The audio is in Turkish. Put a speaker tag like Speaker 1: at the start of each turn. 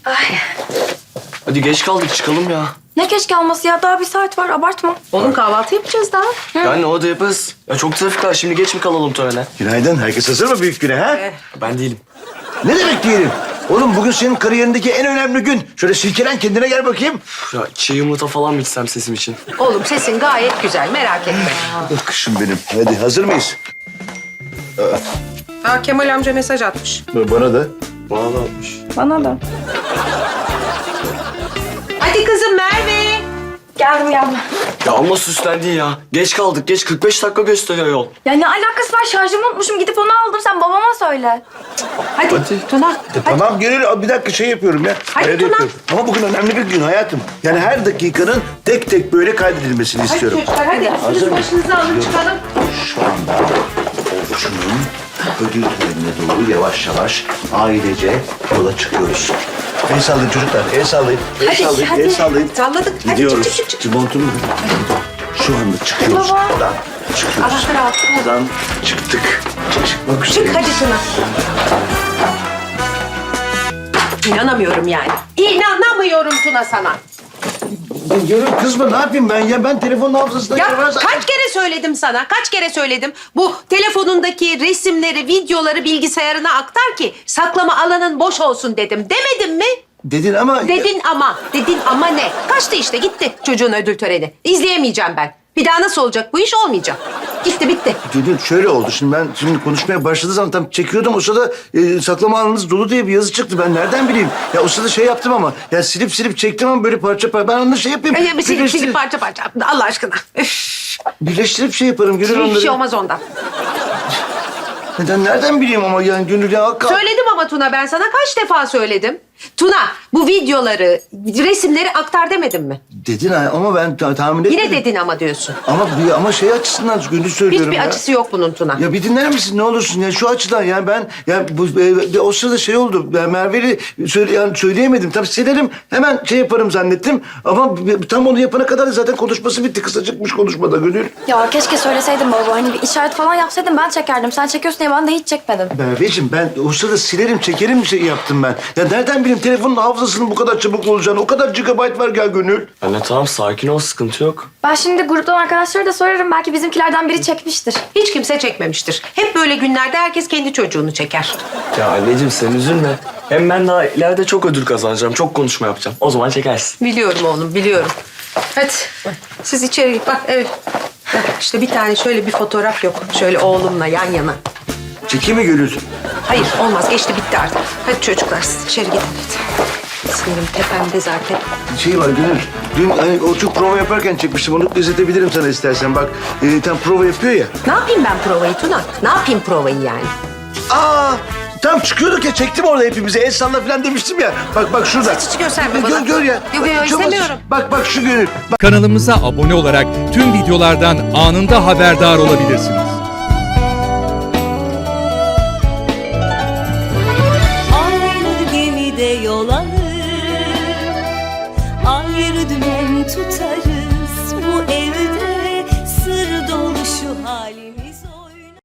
Speaker 1: Hadi geç kaldık çıkalım ya.
Speaker 2: Ne geç kalması ya? Daha bir saat var. Abartma.
Speaker 3: Oğlum kahvaltı yapacağız daha.
Speaker 1: Yani o da yaparız. Ya çok trafik var şimdi geç mi kalalım törene?
Speaker 4: Günaydın. Herkes hazır mı büyük güne ha?
Speaker 1: Ben değilim.
Speaker 4: Ne demek diyelim? Oğlum bugün senin kariyerindeki en önemli gün. Şöyle silkelen kendine gel bakayım.
Speaker 1: Ya çiğ yumurta falan mı içsem sesim için?
Speaker 3: Oğlum sesin gayet güzel, merak etme.
Speaker 4: Kışım benim. Hadi hazır mıyız?
Speaker 3: Ha, Kemal amca mesaj atmış.
Speaker 4: Bana da.
Speaker 1: Bana da atmış.
Speaker 2: Bana da.
Speaker 3: Hadi kızım Merve.
Speaker 2: Geldim.
Speaker 1: Ya amma süslendin ya. Geç kaldık geç 45 dakika gösteriyor yol.
Speaker 2: Ya ne alakası var? Şarjımı unutmuşum. Gidip onu aldım. Sen babama söyle.
Speaker 3: Hadi, Tuna.
Speaker 4: Tamam Gönül bir dakika şey yapıyorum ya.
Speaker 3: Hadi
Speaker 4: Arada
Speaker 3: Tuna.
Speaker 4: yapıyorum. Ama bugün önemli bir gün hayatım. Yani her dakikanın tek tek böyle kaydedilmesini
Speaker 3: Hadi
Speaker 4: istiyorum.
Speaker 3: çocuklar hadi. Üstünüz başınızı alın çıkalım.
Speaker 4: Şu anda Orçun'un ödül törenine doğru yavaş yavaş ailece yola çıkıyoruz. El sallayın çocuklar, el sallayın. El sallayın,
Speaker 2: hadi.
Speaker 4: el sallayın.
Speaker 3: Salladık. Hadi
Speaker 4: Gidiyoruz.
Speaker 3: çık.
Speaker 4: Montumu şu anda çıkıyoruz.
Speaker 2: Baba.
Speaker 4: Buradan çıkıyoruz.
Speaker 3: Anahtarı al.
Speaker 4: Buradan çıktık. Çıkmak
Speaker 3: Çık
Speaker 4: üzereyiz.
Speaker 3: hadi Tuna. İnanamıyorum yani. İnanamıyorum Tuna sana.
Speaker 4: Gönül kızma ne yapayım ben ya? Ben telefonun hafızasına
Speaker 3: Ya
Speaker 4: girmez-
Speaker 3: kaç kere söyledim sana, kaç kere söyledim. Bu telefonundaki resimleri, videoları bilgisayarına aktar ki saklama alanın boş olsun dedim. Demedim mi?
Speaker 4: Dedin ama...
Speaker 3: Dedin ama ne? Kaçtı işte gitti çocuğun ödül töreni. İzleyemeyeceğim ben. Bir daha nasıl olacak bu iş olmayacak. Gitti bitti.
Speaker 4: Gönül şöyle oldu. Şimdi ben konuşmaya başladığı zaman tam çekiyordum. O sırada saklama alanınız dolu diye bir yazı çıktı. Ben nereden bileyim? Ya o sırada şey yaptım ama. Ya silip çektim ama böyle parça parça. Ben onları şey yapayım.
Speaker 3: Silip parça parça. Allah aşkına. Üf.
Speaker 4: Birleştirip şey yaparım Gönül
Speaker 3: Hiçbir
Speaker 4: onları.
Speaker 3: şey olmaz ondan.
Speaker 4: Nereden bileyim ama yani Gönül ya.
Speaker 3: Söyledim ama Tuna ben sana kaç defa söyledim. Tuna bu videoları, resimleri aktar demedim mi?
Speaker 4: Dedin ama ben tahmin etmedim.
Speaker 3: Yine dedin ama diyorsun.
Speaker 4: Ama şey açısından Gönül söylüyorum
Speaker 3: Hiçbir
Speaker 4: ya.
Speaker 3: acısı yok bunun Tuna.
Speaker 4: Ya bir dinler misin ne olursun ya şu açıdan ya ben ya bu o sırada şey oldu. Ben Merve'yi söyleyemedim. Tabii silerim hemen şey yaparım zannettim ama tam onu yapana kadar zaten konuşması bitti. Kısacıkmış konuşmada Gönül.
Speaker 2: Ya keşke söyleseydin baba. Hani bir işaret falan yapsaydın ben çekerdim. Sen çekiyorsun diye ben de hiç çekmedim.
Speaker 4: Merveciğim ben o sırada silerim çekerim şey yaptım ben. Ya nereden bileyim telefonun hafızasının bu kadar çabuk olacağını. O kadar gigabayt var gel Gönül.
Speaker 1: Anne tamam sakin ol sıkıntı yok.
Speaker 2: Ben şimdi gruptan arkadaşlara da sorarım. Belki bizimkilerden biri çekmiştir.
Speaker 3: Hiç kimse çekmemiştir. Hep böyle günlerde herkes kendi çocuğunu çeker.
Speaker 1: Ya anneciğim sen üzülme. Hem ben daha ileride çok ödül kazanacağım. Çok konuşma yapacağım. O zaman çekersin.
Speaker 3: Biliyorum oğlum, biliyorum. Hadi siz içeri git. Bak evet. Bak, İşte bir tane şöyle bir fotoğraf yok. Şöyle oğlumla yan yana.
Speaker 4: Çekeyim mi Gönül?
Speaker 3: Hayır olmaz geçti bitti artık. Hadi çocuklar siz içeri gidin hadi. Sinirim tepemde zaten.
Speaker 4: Şey var Gönül. Dün hani o çok prova yaparken çekmiştim. Onu izletebilirim sana istersen. Bak tam prova yapıyor ya.
Speaker 3: Ne yapayım ben provayı Tuna? Ne yapayım provayı yani?
Speaker 4: Aa! Tam çıkıyorduk ya çektim orada hepimize. El salla falan demiştim ya. Bak şurada.
Speaker 3: Hiç gösterme bana.
Speaker 4: Gör ya.
Speaker 3: Yok,
Speaker 4: Çok az-
Speaker 3: istemiyorum.
Speaker 4: Bak şu Gönül. Bak.
Speaker 5: Kanalımıza abone olarak tüm videolardan anında haberdar olabilirsiniz.
Speaker 6: Aynı gemide yol alır, ayrı dümen tutarız. Bu evde sır dolu şu halimiz.